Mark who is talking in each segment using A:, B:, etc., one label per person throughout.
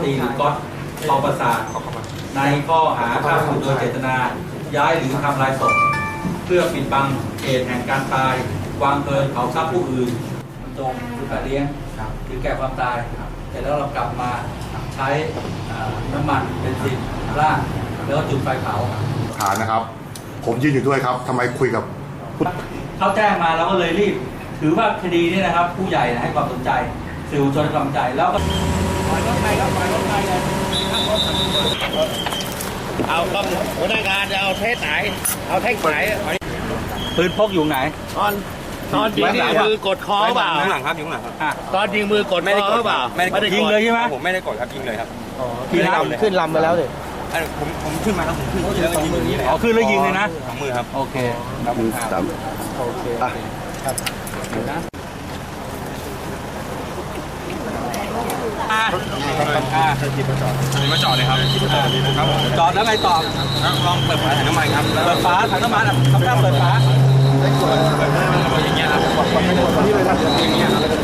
A: ตรีหรือก๊อตปอประสาทในข้อหาฆ่าผู้อื่นโดยเจตนาย้ายหรือทำลายศพเพื่อปิดบังเหตุแห่งการตายวางเพลิงเผาทรัพย์ผู้อื่นจงคือการเลี้ยงหรือแก่ความตายแต่แล้วเรากลับมาใช้น้ำมันเบนซินราดแล้วจุดไฟเผา
B: ฐานนะครับผมยืนอยู่ด้วยครับทำไมคุยกับ
A: เขาแจ้งมาเราก็เลยรีบถือว่าคดีนี้นะครับผู้ใหญ่ให้ความสนใจสื่อมวลชนให้ความสนใจแล้วก็ปล่อยรถไปครับปล่อยรถไปเลยเอาครับหัวหน้างานจะเอาเทสไหนเอาเทคไหนปืนพกอยู่ไหนตอนยิงนี่มือกดคอเปล่า
C: ข้างหลังครับอยู่ข้างหลังครับ
A: ตอนยิงมือกดคอเปล่าไม่ได้ยิงเลยใช่ไหม
C: ผมไม่ได้กดครับยิงเลยครับ
A: ขึ้นลำไปแล้วเลย
C: ผมขึ้นมาครับผมขึ้นแล้วยิงอย่างนี้เลย
A: ขึ้นแล้วยิงเลยนะ
C: สองมือครับ
A: โอเค
B: ครับโอเค
A: ครับ
C: มาจอดเลยครับครับ
A: จอดแล้วไงต่อ
C: ลองเปิดฝาถังน้ำมันครับ
A: เปิดฝาถังน้ำมันทำท่าเปิดฝา
C: อย่างเงี้ยครับอย่างเงี้ยครับ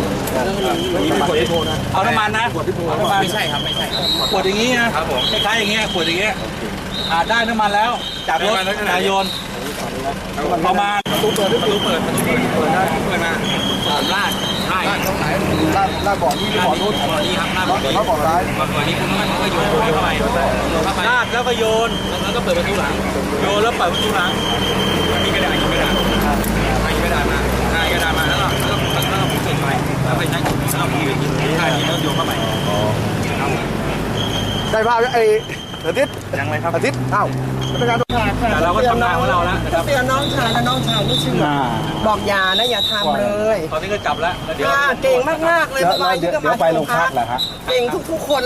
A: เอาน้ำมันนะ
C: ไม่ใช่ครับไม่ใช่
A: ขวดอย่างงี้นะครับ
C: ผม
A: คล้ายๆอย่างเงี้ยขวดอย่างเงี้ยได้น้ำมันแล้วจากรถนายโยนประมาณ
C: ประตูเปิดมาลาดใช่
B: ลาดบ่อนี้บ่อนู้น
C: บ่อนี้ครับลาดบ่อนี้
B: บ่อร้าย
C: บ่อนี้คุณมันก็โยนเข้าไป
A: ลาดแล้วก็โยน
C: แล้วก็เปิดประตูหลัง
A: โยนแล้วเปิดประตูหลัง
C: มีกระดาษยิงกระดาษยิงกระดาษมายิงกระดาษมาแล้วก็ผมเปิดไฟแล้วไปใช้กดแล้วมีท่านี้แล้วโยนเข้าไป
B: ได้ภาพไอ้อาทิตย์
C: ยังไงครับ
B: อาทิตย์อ้าวเป็นการ
A: แต่เราก็ทำงานของเราแล้วนะครับ
D: เตือนน้องชายและน้องชายไม่เชื่อบอกอย่านะอย่าทำเลย
A: ตอนนี้ก็จับแล้วเดี๋ยว
D: เก่งมากๆเลย
B: เดี๋ยวไปโรงพักเหรอฮะ
D: เก่งทุกๆคน